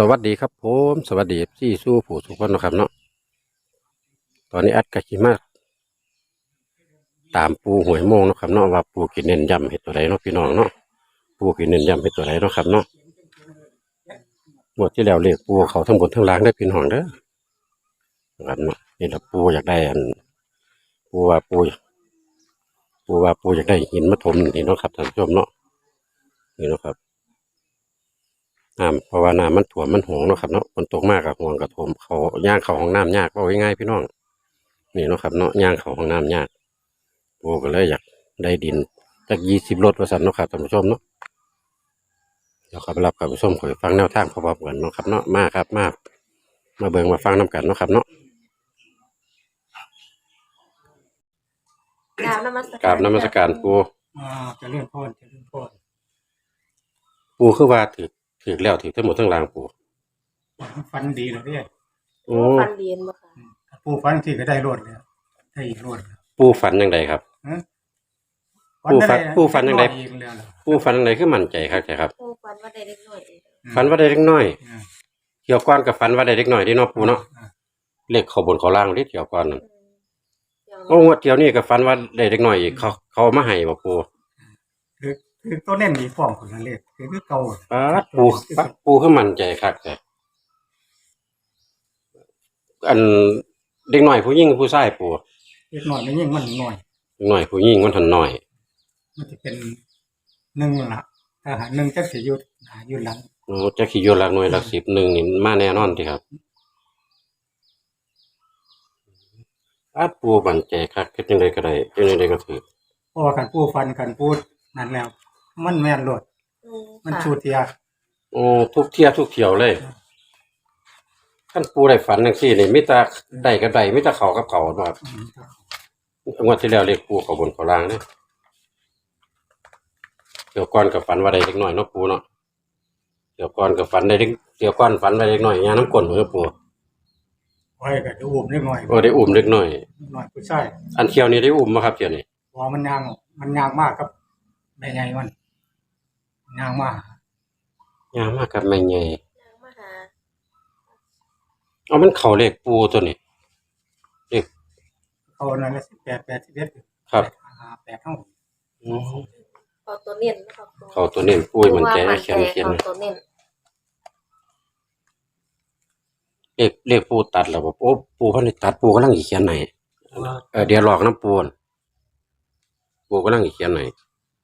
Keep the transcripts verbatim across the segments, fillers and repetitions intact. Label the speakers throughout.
Speaker 1: วัสดีครับผมสวัสดีที่สู้ผู้ทุกคนนะครับเนาะตอนนี้อัดกะกิมาตามปูหวยโมงเนาะครับเนาะว่าปูกินเน้นย้ำเห็ดตัวไหนเนาะพี่น้องเนาะปูกินเน้นย้ำเห็ดตัวไหนเนาะครับเนาะหมดที่แล้วเรียกปูเขาทั้งบนทั้งล่างได้พี่น้องเด้อครับเนาะนี่แหละปูอยากได้อันปูว่าปูปูว่าปูอยากได้หินมาถมนี่เนาะครับท่านผู้ชมเนาะนี่เนาะครับน้ำเพราะว่าน้ำมันถ่วมมันหวงเนาะครับเนาะฝนตกมากกับห่วงกับถมเขาย่างเขาห้องน้ำยากเอาง่ายๆพี่น้องนี่เนาะครับเนาะย่างเขาห้องน้ำยากปูก็เลยอยากได้ดินจากยี่สิบรถประสันเนาะครับท่านผู้ชมเนาะเดี๋ยวขับรับกับผู้ชมขอฟังแนวทางพร้อมๆกันเนาะครับเนาะมาครับมามาเบิ่งมาฟังน้ำกันเนาะครับเนาะ
Speaker 2: กราบนมัส
Speaker 1: กราบนมัสการปู
Speaker 3: อ่าจะเลื่อนพ่นจะเลื่อนพ่น
Speaker 1: ปูคือว่าถือถือแล้วถือทั้งหมดทั้งรางปู
Speaker 3: ฟันดีแล้วเนี่ย
Speaker 1: โอ้
Speaker 2: ฟันเรียนบ่ค่ะ
Speaker 3: ถ้าปูฟันที่ก็ได้รวดเลยได้อีกรวดเลย
Speaker 1: ปูฝันยังไงครับ
Speaker 3: ฮะ
Speaker 1: ปูฟันปูฟันยังไง
Speaker 3: อีกแล้วเหรอ
Speaker 1: ปูฝันยังไงคือมั่นใจครับใช่ครับ
Speaker 2: โอ้ฟันว่าได้เล็กน้อยเอง
Speaker 1: ฝันว่าได้เล็กน้อย
Speaker 3: อ่า
Speaker 1: เกี่ยวก้อนกับฝันว่าได้เล็กน้อยที่เนาะปูเนาะ
Speaker 3: อ่า
Speaker 1: เลขเขาบนเขาล่างที่เกี่ยวก้อนนั่น
Speaker 2: อย่าง
Speaker 1: โอ้งวดเดียวนี่กับฝันว่าได้เล็กน้อยอีกเขาเขาเอามาให้บ่ปู
Speaker 3: คือคือตัวเน่นมีฟอร์มคนละเลขคือคือเก่า
Speaker 1: ป๊าดปูป๊าดปูคือมั่นใจครับแต่อันเด็กน้อยผู้หญิงผู้ชายปู
Speaker 3: เล็กน้อยไม่ยิ่งมันหน่อย
Speaker 1: เด็กน้อยผู้หญิงมันทันน้อย
Speaker 3: มันจะเป็นหนึ่งละถ้าหาหนึ่งจะเสียยุดหายุดหลัง
Speaker 1: โอ้จะขี่โยนหลักหน่วยหลักสิบหนึ่งนี่มาแน่นอนที่ครับอาปูบันใจครับคิดยังไงก็ได้คิดยังไงก็ถือ
Speaker 3: เพราะว่าการปูฟันการปูนั่นแล้ว มันแม่นรวด
Speaker 2: อืม
Speaker 3: มัน
Speaker 2: ค่ะ
Speaker 3: ชูเทีย
Speaker 1: โอ้ทุกเที่ยทุกเที่ยวเลยขั้นปูได้ฝันจังซี่นี่มิตรได้กับได้มิตรเขากับเขานะครับ
Speaker 3: อืม
Speaker 1: งวดที่แล้วเรียกปูเขาบนเขาล่างเนี่ยเดี๋ยวก่อนกับฝันว่าได้เล็กน้อยเนาะปูเนาะเดี๋ยวก่อนกับฝันได้เล็กเดี๋ยวก่อนฝันว่าได้เล็กน้อยยาน้ำก้นเหมือนปู
Speaker 3: ไว้ก็จะอุ้มเล็กน้อย
Speaker 1: โอ้ได้อุ้มเล็กน้อย
Speaker 3: น้อยผู้ชาย
Speaker 1: อันเที่ยวนี้ได้อุ้มมาครับเที่ยวนี้
Speaker 3: พอมันยางมันยางมากครับแม่ใหญ่มันยางมาก
Speaker 1: ยามากกับแม่ใหญ่
Speaker 2: นางมาหา
Speaker 1: เอามันเข่าเลขปูตัวนี้เลข
Speaker 3: เขานั่นละสิบแปดแปดสิบเอ็ด
Speaker 1: ครับ
Speaker 3: หาแปดเท่า
Speaker 1: อืม
Speaker 2: เอาตัวเน้นนะครับ
Speaker 1: เขาตัวนี้ปุ้ยมันใจเขียนเขียน
Speaker 2: เอาตัวเน้น
Speaker 1: เลขเลขปูตัดแล้วบอกโอ้ปูเขาได้ตัดปูกำลังอีเขียนไหนเออเดี๋ยวหลอกน้ำปูนปูกำลังอีเขียนไหน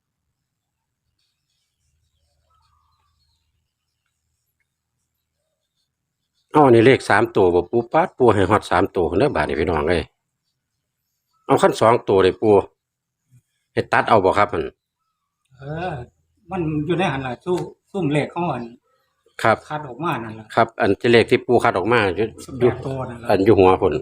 Speaker 1: เอาอันนี้เลขสามตัวบอกปูปัดปูให้ฮอดสามตัวเนื้อบาทนี่พี่น้องเลยเอาขั้นสองตัวเลยปูให้ตัดเอาบอกครับมัน
Speaker 3: เออ มันอยู่ในหันละสู้ซุ่มเลขเขาอัน
Speaker 1: ครับ
Speaker 3: คัดออกมานั่นละ
Speaker 1: ครับ อันที่เลขที่ปูคัดออกมาอยู่
Speaker 3: สิบ
Speaker 1: อ
Speaker 3: แป
Speaker 1: ยู่
Speaker 3: ดตัวนั่นละ
Speaker 1: อันอยู่หัวผล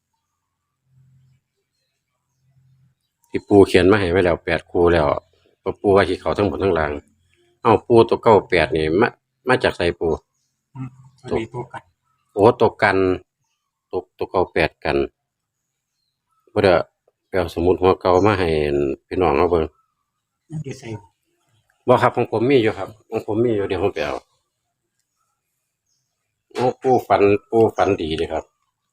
Speaker 1: ที่ปูเขียนมาให้ไว้แล้วแปดคูแล้วเพราะปูว่าที่เขาทั้งหมดทั้งหลังเอาปูตัวเก้าแปดนี่มามาจากไสปู
Speaker 3: อืมมันมีตัวกัน
Speaker 1: โอ้ตัวกันตัวตัวเก้าแปดกันบ่ได้ไปเอาสมุดหัวเก่ามาให้พี่น้องเอาเบิ่ง
Speaker 3: มันอยู่ใส่
Speaker 1: บ่ครับของผมมีอยู่ครับของผมมีอยู่เดี๋ยวผมไปเอาโอ้ปูฝันปูฝันดีเลยครับ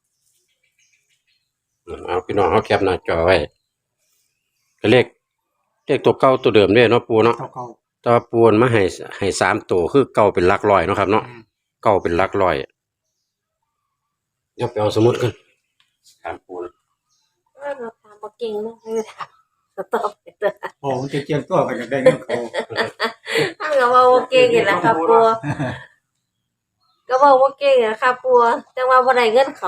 Speaker 1: เอาพี่น้องเอาแคปหน้าจอไว้ก็เลขเลขตัวเก่าตัวเดิมเด้เนาะปูเนาะ
Speaker 3: เก่าเก่า
Speaker 1: แต่ว่าปูนมาให้ให้สามตัวคือเก่าเป็นหลักร้อยเนาะครับเนาะ
Speaker 3: อืม
Speaker 1: เก่าเป็นหลักร้อยเดี๋ยวไปเอาสมุดกันถามปูน
Speaker 2: ว่าเราทำบ่เก่งเนาะไม่ได้ถามสต็อปไปเด้อ
Speaker 3: โอ้มันจะเจียงตัวกันจะได้เงินเขา
Speaker 2: ถ้าก็ว่าบ่เก่งนี่แหละครับปัวก็ว่าบ่เก่งนี่แหละครับปัวจังว่าบ่ได้เงินเขา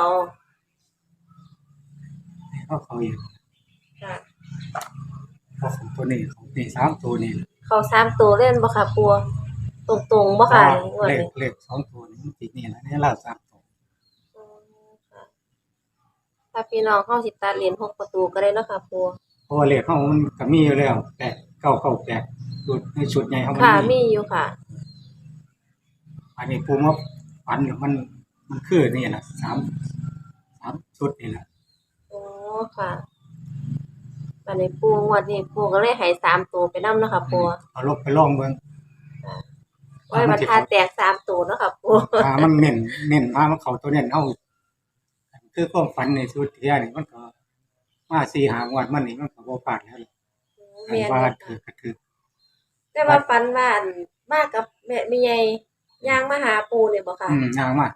Speaker 3: เขาเขาอยู่
Speaker 2: ค่ะ
Speaker 3: เขาของตัวนี้ของนี่สามตัวนี่
Speaker 2: เขาสามตัวเล่นบ่ค่ะปัวตรงๆบ่ค่ะงวด
Speaker 3: เลข
Speaker 2: นี้
Speaker 3: เลขสองตัวนี่มันติดนี่แหละนี่ล่าสามตัว
Speaker 2: อืมค่ะถ้าพี่น้องเฮาสิตัดเหรียญหกประตูก็ได้เนาะค่ะปัว
Speaker 3: เพราะว่าเลขเขามันก็มีอยู่แล้วแปดเก้าเก้าแปดชุดในชุดใหญ่เขามัน
Speaker 2: ค่ะ
Speaker 3: มี
Speaker 2: มีอยู่ค่ะ
Speaker 3: อันนี้ปูมาฝันมันมันคือนี่แหละสามสามชุดนี่แหละ
Speaker 2: โอ้ค่ะบัดนี้ปูงวดนี้ปูก็เลยให้สามตัวไปนำเนาะค่ะปัว
Speaker 3: เอาลบไปลองเบิ่ง
Speaker 2: โอ้ไว้บรรทัดแตกสามตัวเนาะค่ะปู
Speaker 3: อ่ามันเน้นเน้นมามันเข้าตัวเน้นเอาคือความฝันในสุดเทียนี่มันก็มาสี่หางวดมันนี่มันก็บ่พลาดแล้วอัน
Speaker 2: แม่น
Speaker 3: ว่า
Speaker 2: อยู่
Speaker 3: ถือก็ถือ
Speaker 2: แต่ว่าฝันว่าอันมากับแม่แม่ใหญ่ย่างมาหาปูนี่บ่ค่ะ
Speaker 3: อืมยางมา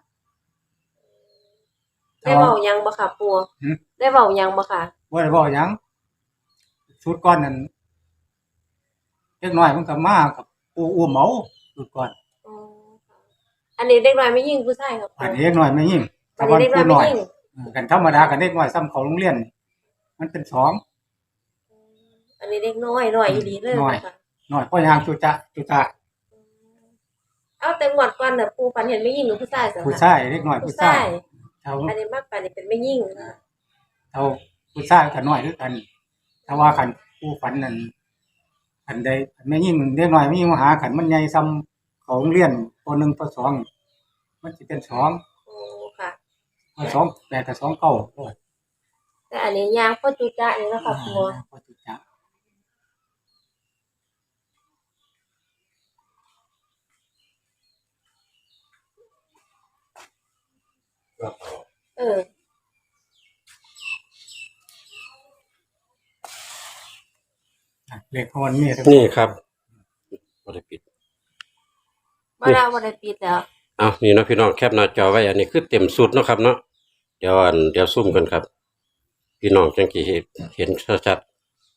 Speaker 2: ได้เว้าหยังบ่ค่ะปู
Speaker 3: หือ
Speaker 2: ได้เว้าหยังบ่ค่ะ
Speaker 3: บ่ได้บอกหยังสุดก่อนนั่นเล็กน้อยมันก็มากับปูอ้วมเอาสุดก่อน
Speaker 2: อ๋อค่ะอันนี้เด็กน้อยไม่ยิ่งผู้ชายครับปู
Speaker 3: อันนี้เล็กน้อยไม่ยิ่ง
Speaker 2: อันนี้เด็กน้อย
Speaker 3: ผู้
Speaker 2: ไม่
Speaker 3: น้อย
Speaker 2: ยิ่ง
Speaker 3: เออกันธรรมดากันเด็กน้อยซ้ำเขาโรงเรียนนี่มันเป็นสอง
Speaker 2: อันนี้เด็กน้อยน้อยอีหลีเลย
Speaker 3: น้อย
Speaker 2: ค่ะ
Speaker 3: น้อยเพราะยางจุจะจุจะ
Speaker 2: เอาแต่งวดก่อนน่ะปูฝันเห็นไม่ยิ่งหรือผู้ชายสิคะ
Speaker 3: ผู้ชายเล็กน้อย
Speaker 2: ผู้
Speaker 3: ผู้
Speaker 2: ชา
Speaker 3: ชาย
Speaker 2: ย
Speaker 3: เท่า
Speaker 2: อันนี้มากไปนี่เป็นไม่ยิ่งนะ
Speaker 3: เท่าผู้ชายกันน้อยคือกันถ้าว่าคันผู้ฝันนั่นคันใดคันไม่ยิ่งเล็กน้อยไม่ยิ่งมาหาคันมันใหญ่ซ้ำเขาโรงเรียนปหนึ่งปสองมันสิเป็นสอง
Speaker 2: โอ้ค่ะ
Speaker 3: ปสองแปดกับสองเก้าโอ้ย
Speaker 2: แต่อันนี้ยางพ่อจุจะนี่เนาะค่ะปู
Speaker 3: พอจุจะ
Speaker 2: เออ
Speaker 3: เลขคนนี่
Speaker 1: นี่ครับบ่ได้ปิด
Speaker 2: บ่ได้บ่ได้ปิดแล้ว
Speaker 1: เอานี่เนาะพี่น้องแคปหน้าจอไว้อันนี้คือเต็มสุดเนาะครับเนาะเดี๋ยวอันเดี๋ยวซุ่มกันครับ พี่น้องจังกี่เห็นเห็นชัด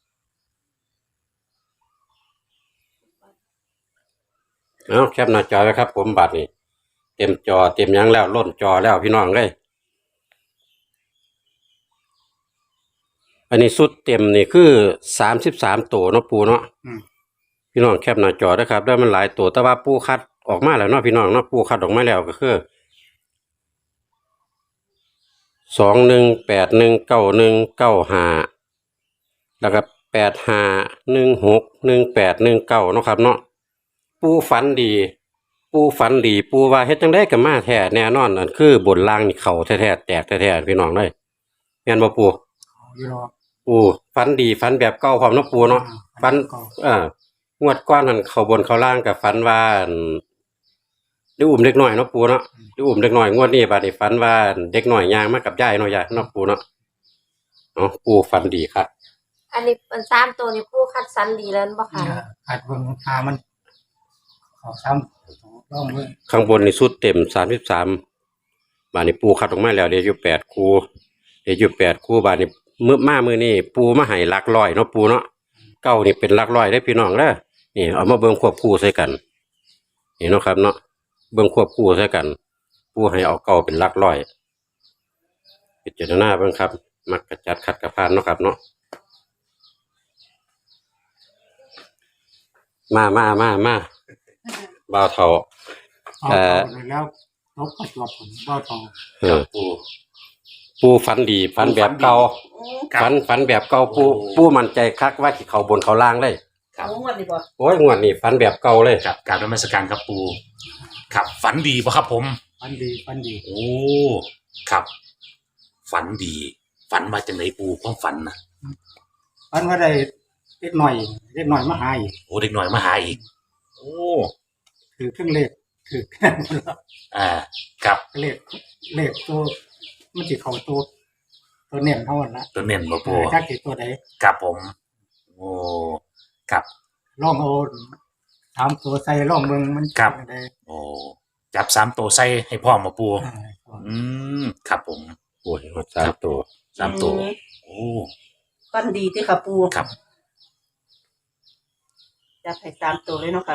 Speaker 1: ๆเอาแคปหน้าจอไว้ครับ ผมบัตรนี่เต็มจอเต็มหยังแล้วล้นจอแล้วพี่น้องเลยอันนี้สุดเต็มนี่คือสามสิบสามตัวเนาะปูเนาะ
Speaker 3: อืม
Speaker 1: พี่น้องแคปหน้าจอนะครับได้มันหลายตัวแต่ว่าปูคัดออกมาแล้วเนาะพี่น้องเนาะปูคัดออกมาแล้วก็คือสองหนึ่งแปดหนึ่งเก้าหนึ่งเก้าห้าแล้วก็แปดห้าหนึ่งหกหนึ่งแปดหนึ่งเก้าเนาะครับเนาะปูฝันดี ปูฝันดี ปูว่าเฮ็ดจังได้กับมาแท้แน่นอนนั่นคือบนล่างนี่เข่าแท้ๆแตกแท้ๆพี่น้องเลยแม่นบ่ปู
Speaker 3: เอาอยู่รอ
Speaker 1: ปูฝันดีฝันแบบเก่าพร้อมเนาะปูเนาะ ฝัน
Speaker 3: เก่า
Speaker 1: เอ่างวดก้อนนั่นเขาบนเขาล่างกับฝันว่าอั่นได้อุ้มเด็กน้อยเนาะปูเนาะได้อุ้มเด็กน้อยงวดนี้บาดนี้ฝันว่าเด็กน้อยย่างมากับยายเนาะยายเนาะปูเนาะเนาะปูฝันดีครับ
Speaker 2: อันนี้มันสามตัวนี่ปูคัดสรรดีแล้วบ่ค่ะ
Speaker 3: เนี่ยอัดเบิ่งหามันเขาซ้ำลองเบิ่ง
Speaker 1: ข้างบนนี่สุดเต็มสามสิบสามบาดนี้ปูคัดออกมาแล้วเดี๋ยวอยู่แปดคู่เดี๋ยวอยู่แปดคู่บาดนี้มื้อมามื้อนี้ปูมาให้หลักร้อยเนาะปูเนาะเก้านี่เป็นหลักร้อยได้อพี่น้องเด้อนี่เอามาเบิ่งควบคู่ใส่กันนี่เนาะครับเนาะเบิ่งควบคู่ใส่กัน ปูให้เอาเก้าเป็นหลักร้อยพิจารณาเบิ่งครับ มักกระจัดขัดกระพานเนาะครับเนาะมามามามาบ่าวเฒ่า
Speaker 3: เอา
Speaker 1: เอ่อ
Speaker 3: เอาแล้วลบประจวบผลบ่ทอง
Speaker 1: เออปูปูฝันดีฝันแบบเก่า
Speaker 4: ครับ
Speaker 1: ฝันฝันแบบเก่าปู
Speaker 4: โอ้
Speaker 1: ปูมั่นใจคักว่าสิเข้าบนเข้าล่างเลย
Speaker 4: ครับ
Speaker 2: งวดดีบ่
Speaker 1: โอ้ยงวดนี้ฝันแบบเก่าเลย
Speaker 4: ครับกรารนมัสการครับปูครับฝันดีป่ะครับผม
Speaker 3: ฟันดีฟันดี
Speaker 4: โอ้ครับ ฝันดี ฝันมาจากไหนปูความฝันนะ
Speaker 3: ฟันว่าได้เล็กหน่อยเล็กหน่อยมาหาอีก
Speaker 4: โอ้เด็กหน่อยมาหาอีก โอ้
Speaker 3: ถือเครื่องเลขถือแค่นั้นละ
Speaker 4: อ่าครับ
Speaker 3: เลขเลขตัวมันสิเข้าตัวตัวเน้นเท่านั้นละ
Speaker 4: ตัวเน้นมาปู
Speaker 3: ถ้าสิตัวใด
Speaker 4: ครับผม โอ้ครับ
Speaker 3: ลองเอาถามตัวใส่ลองเบิ่งมัน
Speaker 4: ครับ
Speaker 3: จังได
Speaker 4: โอ้จับสามตัวใส่ให้พ่อมาปู
Speaker 3: อ่า
Speaker 4: อืมครับผม
Speaker 1: โอ้ยหมดสามตัว
Speaker 4: สามตัว
Speaker 5: อืม
Speaker 4: โอ้
Speaker 5: ฟันดีที่ค่ะปู
Speaker 4: ครับ
Speaker 5: จับให้สามตัวเลยเนาะค่ะ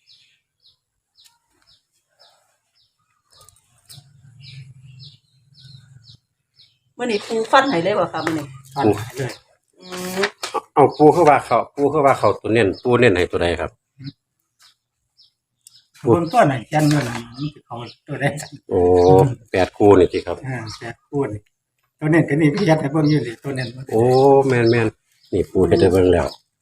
Speaker 5: เมื่อนี้ปูฟันให้เลยบ่ค่ะมื่อนี้
Speaker 3: ฟันหายเลย
Speaker 5: อืม
Speaker 1: เอาปูเข้าว่าเขาปูเข้าว่าเขาตัวเน้นปูเน้นให้ตัวใดครับ
Speaker 3: เบิ่งตัวไหนยันเงินมันสิเข้าตัวใด
Speaker 1: โอ้แปดคู่นี่สิครับ
Speaker 3: อ่าแต่พูดนี่ตัวเน้นก็นี่พี่ยัดให้เบิ่งอยู่นี่ตัวเน้นมัน
Speaker 1: โอ้แม่นแม่นนี่ปูเฮ็ดได้เบิ่งแล้ว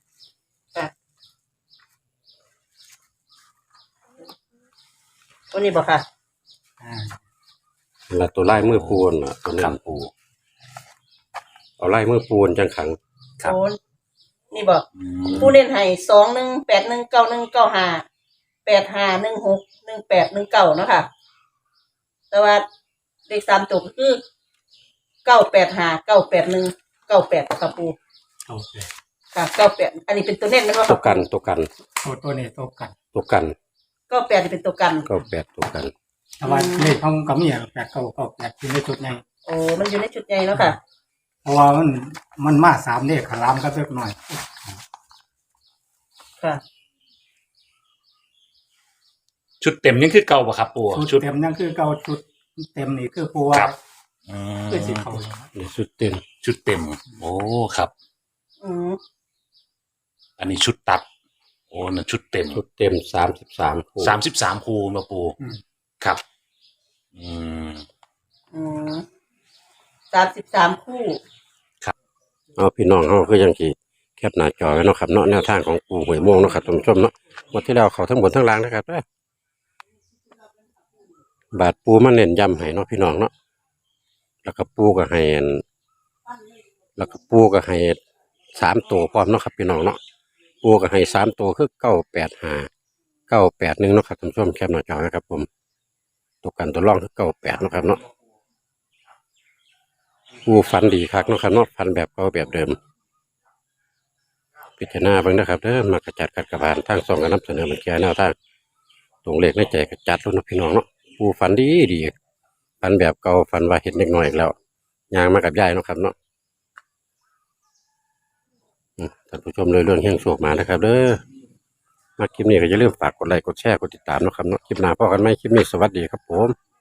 Speaker 5: วันนี้บ่ค่ะ
Speaker 3: อ่า
Speaker 1: แล้วตัวไล่มือปูนล่ะตัว
Speaker 4: ค
Speaker 1: เน้
Speaker 4: รั
Speaker 1: น
Speaker 4: บปู
Speaker 1: เอาไล่มือปูนจังขัง
Speaker 4: ครับ
Speaker 5: โอ้นี่บ่
Speaker 4: อืม
Speaker 5: ปูเน้นให้สองหนึ่งแปดหนึ่งเก้าหนึ่งเก้าห้าแปดห้าหนึ่งหกหนึ่งแปดหนึ่งเก้าเนาะค่ะแต่ว่าเลขสามตัวก็คือเก้าแปดห้าเก้าแปดหนึ่งเก้าแปดค่ะปู
Speaker 3: โอเค
Speaker 5: ค่ะเก้าแปดอันนี้เป็นตัวเน้นไหมว่า
Speaker 1: ตัวกันตัวกัน
Speaker 3: ตัวตัวนี้ตัวกัน
Speaker 1: ตัวกัน
Speaker 5: เก้าแปดนี่เป็นตัวกัน
Speaker 1: เก้าแปดตัวกัน
Speaker 3: แต่ว่าเลขของกำเนิดแปดเก้าเก้าแปดอยู่ในจุดใหญ่
Speaker 5: โอ้มันอยู่ในชุดใหญ่แล้วค่ะ
Speaker 3: เพราะว่ามันมันมาสามเลขขลามก็เล็กหน่อย
Speaker 5: ค่ะ
Speaker 4: ชุดเต็มยังคือเก่าปะครับปู
Speaker 3: ชุ
Speaker 4: ชุ
Speaker 3: ด
Speaker 4: ด
Speaker 3: เต็มนั่นคือเก่าชุดเต็มนี่คือปูว่า
Speaker 4: ครับอืม
Speaker 3: คือสิเขา
Speaker 1: นี่สุดเต็ม
Speaker 4: ชุดเต็ม โอ้ครับ
Speaker 5: อืม
Speaker 4: อันนี้ชุดตัด โอ้นั่นชุดเต็ม
Speaker 1: ชุดเต็มสามสิบสามคู่
Speaker 4: สามสิบสามคูมาปู
Speaker 3: อืม
Speaker 4: ครับ อืม
Speaker 5: อืมสามสิบสามคู่
Speaker 1: เอาพี่น้องเขาคือยังกี่แคปหน้าจอไว้เนาะครับเนาะแนวทางของปูหวยโม่งเนาะครับท่านผู้ชมเนาะหมดที่แล้วเขาทั้งบนทั้งล่างนะครับเด้อบาทปูมาเน้นย้ำให้เนาะพี่น้องเนาะแล้วก็ปูก็ให้อันแล้วก็ปูก็ให้สามตัวพร้อมเนาะครับพี่น้องเนาะปูก็ให้สามตัวคือเก้าแปดห้าเก้าแปดหนึ่งเนาะครับท่านผู้ชมแคปหน้าจอนะครับผมตัวกันตัวร่องคือเก้าแปดเนาะครับเนาะปูฝันดีคักเนาะครับเนาะฝันแบบเก่าแบบเดิมพิจารณาเบิ่งนะครับเด้อมากระจัดกัดกระบาลทางสองกันนำเสนอมันแก่แนวทางตรงเลขในใจกระจัดรุ่นเนาะพี่น้องเนาะปูฝันดีดีฝันแบบเก่าฝันว่าเห็นเด็กน้อยอีกแล้วยางมากับยายเนาะครับเนาะอืมท่านผู้ชมเลยเรื่องเฮี้ยงโชคมานะครับเด้อมาคลิปนี้ก็อย่าลืมฝากกดไลค์กดแชร์กดติดตามเนาะครับเนาะคลิปหน้าพบกันใหม่คลิปนี้สวัสดีครับผม